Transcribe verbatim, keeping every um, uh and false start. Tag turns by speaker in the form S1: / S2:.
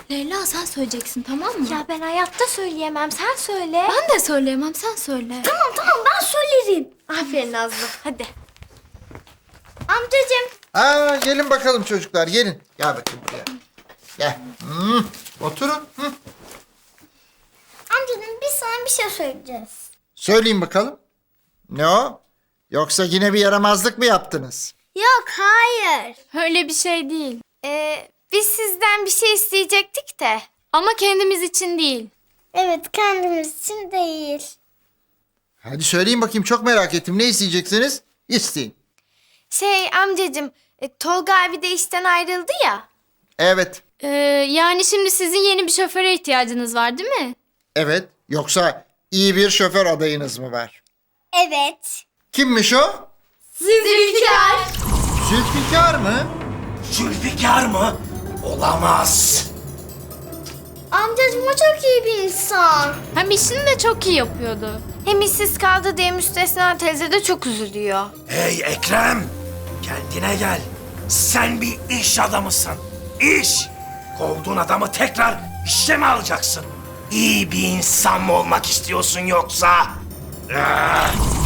S1: Leyla sen söyleyeceksin, tamam mı?
S2: Ya ben hayatta söyleyemem. Sen söyle.
S1: Ben de söyleyemem, sen söyle.
S2: Tamam tamam ben söylerim. Aferin Nazlı. Hadi. Amcacığım.
S3: Aa, gelin bakalım çocuklar, gelin. Gel bakayım buraya. Gel. Hmm, oturun. Hı.
S2: Amcacığım biz sana bir şey söyleyeceğiz.
S3: Söyleyin bakalım. Ne o? Yoksa yine bir yaramazlık mı yaptınız?
S2: Yok hayır.
S1: Öyle bir şey değil.
S2: Ee, biz sizden bir şey isteyecektik de.
S1: Ama kendimiz için değil.
S2: Evet kendimiz için değil.
S3: Hadi söyleyin bakayım, çok merak ettim. Ne isteyeceksiniz? İsteyin.
S2: Şey amcacığım e, Tolga abi de işten ayrıldı ya.
S3: Evet.
S1: Ee, yani şimdi sizin yeni bir şoföre ihtiyacınız var değil mi?
S3: Evet. Yoksa iyi bir şoför adayınız mı var?
S2: Evet.
S3: Kimmiş o?
S2: Zülfikar.
S3: Zülfikar mı?
S4: Zülfikar mı? Olamaz.
S2: Amcacığım o çok iyi bir insan.
S1: Hem işini de çok iyi yapıyordu.
S2: Hem işsiz kaldı diye Müstesna teyze de çok üzülüyor.
S4: Hey Ekrem, kendine gel. Sen bir iş adamısın. İş. Kovduğun adamı tekrar işe mi alacaksın? İyi bir insan mı olmak istiyorsun yoksa? Ah!